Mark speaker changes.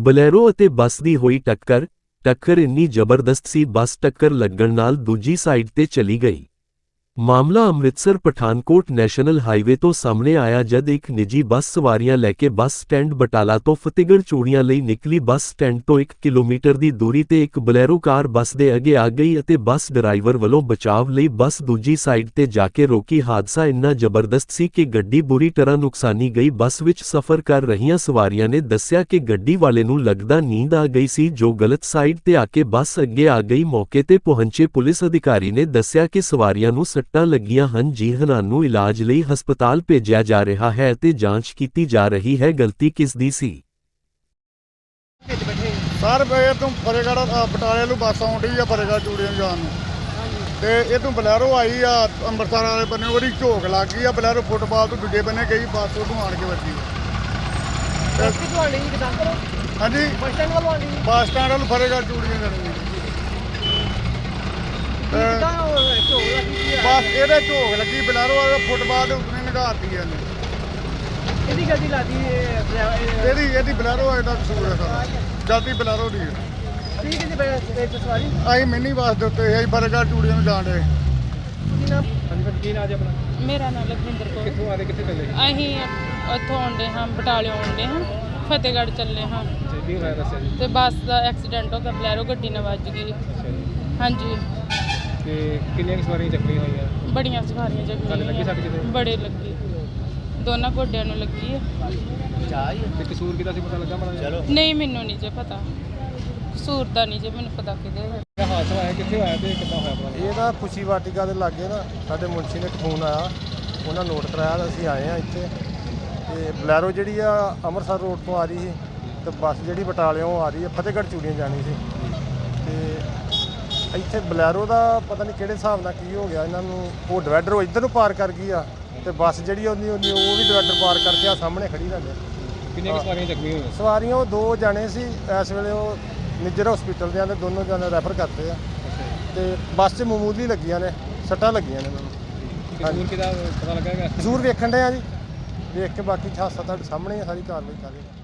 Speaker 1: Bolero ਅਤੇ ਬੱਸ ਦੀ ਹੋਈ ਟੱਕਰ ਇੰਨੀ ਜ਼ਬਰਦਸਤ ਸੀ ਬੱਸ ਟੱਕਰ ਲੱਗਣ ਨਾਲ ਦੂਜੀ ਸਾਈਡ ਤੇ ਚਲੀ ਗਈ। ਮਾਮਲਾ ਅੰਮ੍ਰਿਤਸਰ ਪਠਾਨਕੋਟ ਨੈਸ਼ਨਲ ਹਾਈਵੇ ਤੋਂ ਸਾਹਮਣੇ ਆਇਆ ਜਦ ਇੱਕ ਨਿੱਜੀ ਬੱਸ ਸਵਾਰੀਆਂ ਲੈ ਕੇ ਬੱਸ ਸਟੈਂਡ ਬਟਾਲਾ ਤੋਂ ਫਤਿਹਗੜ੍ਹ ਚੂੜੀਆਂ ਲਈ ਨਿਕਲੀ। ਬੱਸ ਸਟੈਂਡ ਤੋਂ 1 ਕਿਲੋਮੀਟਰ ਦੀ ਦੂਰੀ ਤੇ ਇੱਕ ਬਲੈਰੋ ਕਾਰ ਬੱਸ ਦੇ ਅੱਗੇ ਆ ਗਈ ਅਤੇ ਬੱਸ ਡਰਾਈਵਰ ਵੱਲੋਂ ਬਚਾਵ ਲਈ ਬੱਸ ਦੂਜੀ ਸਾਈਡ ਤੇ ਜਾ ਕੇ ਰੋਕੀ। ਹਾਦਸਾ ਇੰਨਾ ਜ਼ਬਰਦਸਤ ਸੀ ਕਿ ਗੱਡੀ ਬੁਰੀ ਤਰ੍ਹਾਂ ਨੁਕਸਾਨੀ ਗਈ। ਬੱਸ ਵਿੱਚ ਸਫ਼ਰ ਕਰ ਰਹੀਆਂ ਸਵਾਰੀਆਂ ਨੇ ਦੱਸਿਆ ਕਿ ਗੱਡੀ ਵਾਲੇ ਨੂੰ ਲੱਗਦਾ ਨੀਂਦ ਆ ਗਈ ਸੀ ਜੋ ਗਲਤ ਸਾਈਡ ਤੇ ਆ ਕੇ ਬੱਸ ਅੱਗੇ ਆ ਗਈ। ਮੌਕੇ ਤੇ ਪਹੁੰਚੇ ਪੁਲਿਸ ਅਧਿਕਾਰੀ ਨੇ ਦੱਸਿਆ ਕਿ ਸਵਾਰੀਆਂ ਨੂੰ ਸੱਟਾਂ ਲੱਗੀਆਂ ਹਨ ਜਿਨ੍ਹਾਂ ਨੂੰ ਇਲਾਜ ਲਈ ਹਸਪਤਾਲ ਭੇਜਿਆ ਜਾ ਰਿਹਾ ਹੈ ਅਤੇ ਜਾਂਚ ਕੀਤੀ ਜਾ ਰਹੀ ਹੈ। ਗਲਤੀ ਕਿਸ ਦੀ ਸੀ?
Speaker 2: ਸਰ ਇਹ ਤੋਂ ਫਤਿਹਗੜ੍ਹ ਬਟਾਲੇ ਨੂੰ ਬੱਸ ਆਉਂਦੀ ਆ ਫਤਿਹਗੜ੍ਹ ਚੂੜੀਆਂ ਜਾਣ ਨੂੰ ਤੇ ਇਹ ਤੋਂ ਬਲੈਰੋ ਆਈ ਆ ਅੰਮ੍ਰਿਤਸਰ ਵਾਲੇ ਬੰਨੇ ਉਹਦੀ ਝੋਕ ਲੱਗ ਗਈ ਆ। ਬਲੈਰੋ ਫੁੱਟਬਾਲ ਤੋਂ ਦੂਜੇ ਬੰਨੇ ਗਈ ਬੱਸ ਉਹ ਆਣ ਕੇ ਵੱਜੀ। ਹਾਂਜੀ ਬੱਸ ਸਟੈਂਡ ਵੱਲ ਫਤਿਹਗੜ੍ਹ ਚੂੜੀਆਂ ਜਾਣੀ ਬਸ ਇਹਦੇ ਝੋਕ ਲੱਗੀ ਬਲੈਰੋ ਵਾਲਾ ਫੁੱਟਬਾਲ ਦੇ ਉੱਤੇ ਨਿਗਾਰਤੀ ਇਹਨੇ ਇਹਦੀ ਗੱਡੀ ਲਾਦੀ ਇਹਦੀ ਬਲੈਰੋ ਦਾ ਕਸੂਰ ਹੈ ਸਾਰਾ ਜਲਦੀ ਬਲੈਰੋ ਦੀ ਅਸੀਂ ਮਿੰਨੀ ਬੱਸ ਦੇ ਉੱਤੇ ਅਸੀਂ ਫਤਿਹਗੜ੍ਹ ਚੂੜੀਆਂ ਨੂੰ ਜਾਣ ਰਹੇ।
Speaker 3: ਮੇਰਾ ਨਾਮ ਲਖਵਿੰਦਰ ਕੌਰ।
Speaker 4: ਕਿੱਥੋਂ ਆ ਰਹੇ ਕਿੱਥੇ ਚੱਲੇ?
Speaker 3: ਅਸੀਂ ਉੱਥੋਂ ਆਉਂਦੇ ਹਾਂ ਬਟਾਲਿਓਂ ਆਉਂਦੇ ਹਾਂ ਫਤਿਹਗੜ੍ਹ ਚੱਲੇ ਹਾਂ
Speaker 4: ਕੀ ਹੋਇਆ ਦੱਸਿਆ ਜੀ?
Speaker 3: ਤੇ ਬੱਸ ਦਾ ਐਕਸੀਡੈਂਟ ਹੋ ਗਿਆ ਬਲੈਰੋ ਗੱਡੀ ਨਾਲ ਵੱਜ ਗਈ। ਹਾਂਜੀ
Speaker 4: ਤੇ ਕਿੰਨੀਆਂ ਸਵਾਰੀਆਂ ਜ਼ਖਮੀ ਹੋਈਆਂ?
Speaker 3: ਬੜੀਆਂ ਸਵਾਰੀਆਂ
Speaker 4: ਲੱਗੀ
Speaker 3: ਜ਼ਖਮੀ
Speaker 4: ਸੱਟ ਕਿਤੇ?
Speaker 3: ਬੜੇ ਲੱਗੀ ਦੋਨਾਂ ਗੋਡਿਆਂ ਨੂੰ ਲੱਗੀ ਹੈ।
Speaker 4: ਤੇ ਕਸੂਰ ਕਿਹਦਾ ਸੀ ਪਤਾ ਲੱਗਾ ਮਾੜਾ?
Speaker 3: ਨਹੀਂ ਮੈਨੂੰ ਨਹੀਂ ਜੇ ਪਤਾ ਕਸੂਰ ਦਾ ਨਹੀਂ ਜੇ ਮੈਨੂੰ ਪਤਾ ਕਿਹਦੇ
Speaker 4: ਇਹ ਹਾਦਸਾ ਹੋਇਆ ਕਿੱਥੇ ਹੋਇਆ ਤੇ ਕਿੱਦਾਂ ਹੋਇਆ ਪਤਾ?
Speaker 2: ਇਹ ਨਾ ਖੁਸ਼ੀ ਵਾਟਿਕਾ ਦੇ ਲਾਗੇ ਨਾ ਸਾਡੇ ਮੁਨਸ਼ੀ ਨੇ ਫੋਨ ਆਇਆ ਉਹਨਾਂ ਨੋਟ ਕਰਾਇਆ ਤਾਂ ਅਸੀਂ ਆਏ ਹਾਂ ਇੱਥੇ ਤੇ ਬਲੈਰੋ ਜਿਹੜੀ ਆ ਅੰਮ੍ਰਿਤਸਰ ਰੋਡ ਤੋਂ ਆ ਰਹੀ ਸੀ ਤੇ ਬੱਸ ਜਿਹੜੀ ਬਟਾਲਿਓਂ ਆ ਰਹੀ ਹੈ ਫਤਿਹਗੜ੍ਹ ਚੂੜੀਆਂ ਜਾਣੀ ਸੀ ਤੇ ਇੱਥੇ ਬਲੈਰੋ ਦਾ ਪਤਾ ਨਹੀਂ ਕਿਹੜੇ ਹਿਸਾਬ ਨਾਲ ਕੀ ਹੋ ਗਿਆ ਇਹਨਾਂ ਨੂੰ ਉਹ ਡਿਵਾਈਡਰ ਇੱਧਰ ਨੂੰ ਪਾਰ ਕਰ ਗਈ ਆ ਤੇ ਬੱਸ ਜਿਹੜੀ ਉਹ ਵੀ ਡਿਵਾਈਡਰ ਪਾਰ ਕਰਕੇ ਆ ਸਾਹਮਣੇ ਖੜੀ ਰਹਿੰਦੇ।
Speaker 4: ਕਿੰਨੀਆਂ ਸਵਾਰੀਆਂ ਜ਼ਖਮੀ ਹੋਈਆਂ?
Speaker 2: ਸਵਾਰੀਆਂ ਉਹ 2 ਜਾਣੇ ਸੀ ਇਸ ਵੇਲੇ ਉਹ ਨਿੱਜਰ ਹਸਪੀਟਲ ਦੇ ਆਂਦੇ ਦੋਨੋਂ ਜਾਣੇ ਰੈਫਰ ਕਰਤੇ ਆ ਤੇ ਬੱਸ 'ਚ ਮਾਮੂਲੀ ਲੱਗੀਆਂ ਨੇ ਸੱਟਾਂ ਲੱਗੀਆਂ ਨੇ ਇਹਨਾਂ ਨੂੰ।
Speaker 4: ਕਸੂਰ ਕਿਹਦਾ ਪਤਾ ਲੱਗਾ?
Speaker 2: ਕਸੂਰ ਵੇਖਣ ਡਏ ਆ ਜੀ ਵੇਖ ਕੇ ਬਾਕੀ ਹਾਦਸਾ ਤੁਹਾਡੇ ਸਾਹਮਣੇ ਸਾਰੀ ਕਾਰਵਾਈ ਕਰ ਰਹੇ।